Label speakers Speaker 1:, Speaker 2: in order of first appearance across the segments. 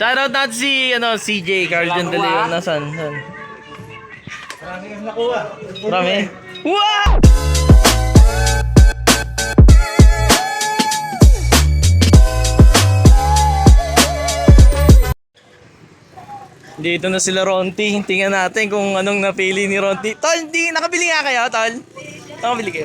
Speaker 1: Shoutout natin si CJ Carlton De Leon. Nasaan?
Speaker 2: Marami yung nakuha.
Speaker 1: Marami? Wow! Dito na sila Ronti. Tingnan natin kung anong napili ni Ronti. Tol, nakabili nga kayo, Tol? Nakabili kayo?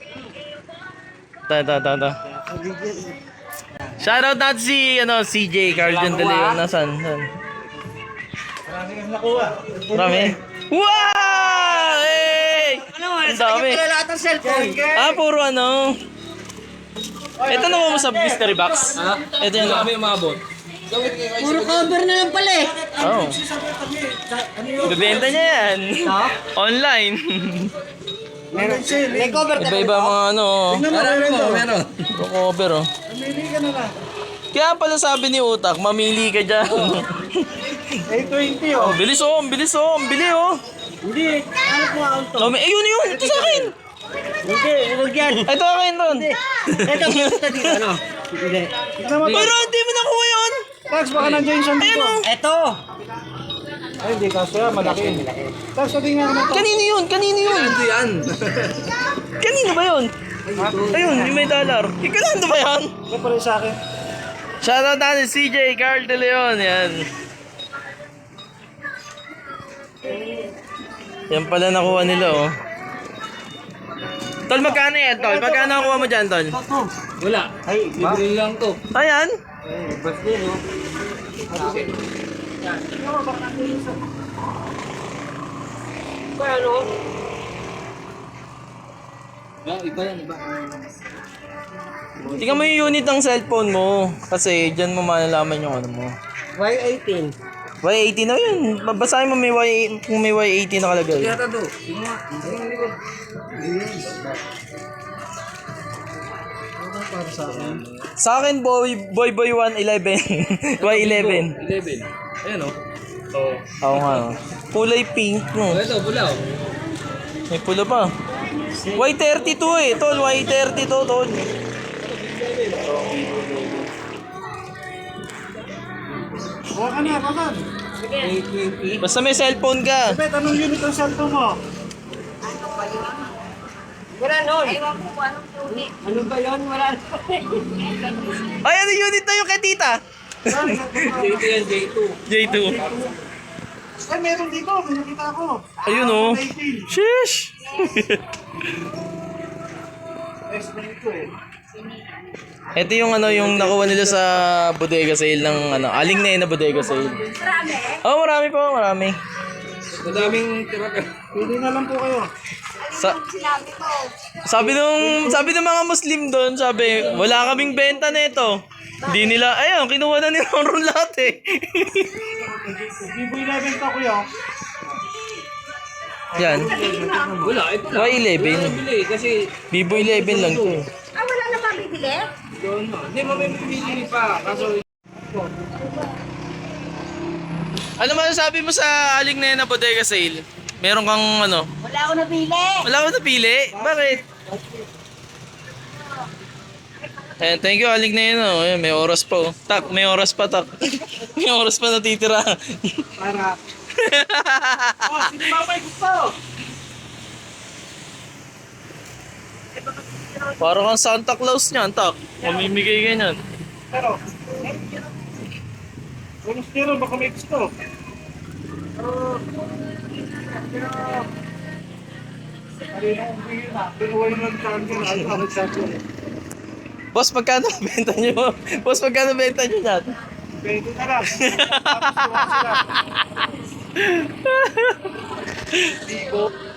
Speaker 1: Ito. Shoutout natin si CJ Carlton De Leon. Nasaan?
Speaker 2: Marami yung nakuha.
Speaker 1: Marami? Wow! Hey! Ang dami.
Speaker 2: Lahat ng cellphone.
Speaker 1: Puro Ito naman mo sa mystery box. Ito yan.
Speaker 3: Kami umabot.
Speaker 4: Puro cover na lang pala eh.
Speaker 1: Oh. Bibenta niya yan. Online.
Speaker 4: May cover ka.
Speaker 1: Iba-iba mga
Speaker 3: Meron.
Speaker 1: cover
Speaker 2: Mamili ka na lang.
Speaker 1: Kaya pala sabi ni Utak, mamili ka dyan.
Speaker 2: A20 oh.
Speaker 1: Ang bilis oh. Ang bili oh.
Speaker 2: Hindi. Ano po ang to?
Speaker 1: Yun. Ito sa akin.
Speaker 2: Hindi. Huwag yan.
Speaker 1: Ito akin ron.
Speaker 2: Ito gusto dito. Ano? Hindi. Tignan mo to.
Speaker 1: Pero hindi mo nakuha yun.
Speaker 2: Tax, baka nandiyan yung dito.
Speaker 1: Ayun oh.
Speaker 4: Eto.
Speaker 2: Ay, hindi. Kaso yan. Malaki. Tax, sabi nga naman to.
Speaker 1: Kanino yun?
Speaker 3: Ito yan.
Speaker 1: Kanino ba yun? Ayun, yung may dollar. Ikalando ba yan?
Speaker 2: Ito pala sa akin.
Speaker 1: Shoutout natin CJ Carl De Leon. Yan. Yan pala nakuha nila oh. Tol, magkano yan, Tol? Magkano nakuha mo dyan, Tol?
Speaker 3: Wala.
Speaker 2: Ay,
Speaker 3: Libre lang to.
Speaker 1: Ayan.
Speaker 2: bas din oh.
Speaker 4: Ano?
Speaker 3: Iba yan, iba.
Speaker 1: Tingnan mo yung unit ng cellphone mo. Kasi dyan mo malalaman yung ano mo.
Speaker 4: Y18.
Speaker 1: Y80 na yun. Babasahin mo kung may Y80 nakalagay.
Speaker 3: Kaya to. Tingnan mo. Tingnan mo.
Speaker 2: Para sa akin.
Speaker 1: Sa akin, boy 111. Y11.
Speaker 3: 11. Ayan o.
Speaker 1: Oo nga. No. Kulay pink, no?
Speaker 3: Ito, pula o.
Speaker 1: May pula pa. Y32 eh. Tol, Y32, tol.
Speaker 2: Huwag ka na, bakit?
Speaker 1: Basta may cellphone ka.
Speaker 2: Bet, anong unit ang cellphone mo?
Speaker 4: Wala nun.
Speaker 5: Ewan ko kung anong unit.
Speaker 4: Ano ba yun? Wala nun.
Speaker 1: Ay, ano unit na yung kay tita?
Speaker 3: J2 yan, J2.
Speaker 1: J2.
Speaker 2: Ay, meron dito. May nakita ako.
Speaker 1: Ayun oh. Sheesh.
Speaker 2: S92 eh.
Speaker 1: Ito yung yung nakuha nila sa bodega sale ng aling na yun na bodega sale.
Speaker 5: Marami.
Speaker 1: Oh, marami po, marami.
Speaker 3: Madaming tira ka.
Speaker 2: Pili na lang po kayo.
Speaker 5: Sinabi ko.
Speaker 1: Sabi ng mga Muslim doon, sabi, wala kaming benta nito. Hindi nila, ayun, kinuha na nila ron lahat eh.
Speaker 2: Vivo 11 to kuya.
Speaker 1: Yan,
Speaker 3: Wala, ito lang.
Speaker 1: Y11.
Speaker 3: Bili kasi
Speaker 1: Vivo 11 lang to.
Speaker 5: Wala na ba bibili?
Speaker 3: doon. Hindi mo may pipili pa. Kaso
Speaker 1: Ano masasabi mo sa aling na yun na bodega sale? Meron kang
Speaker 5: Wala ako nabili.
Speaker 1: wala ko napili? Bakit? Eh, thank you, aling na yun. Oh. Ayan, may oras pa. Oh. Tak, may oras pa, tak. May oras pa natitira.
Speaker 2: Para. Oh, sino ba may gusto?
Speaker 1: Parang kang Santa Claus niyan, tak. Mamimigay ganyan.
Speaker 2: Pero. Kung gusto baka may gusto.
Speaker 1: Boss, magkano benta nyo? Boss, magkano benta nyo yan?
Speaker 2: Pwede na lang. Tapos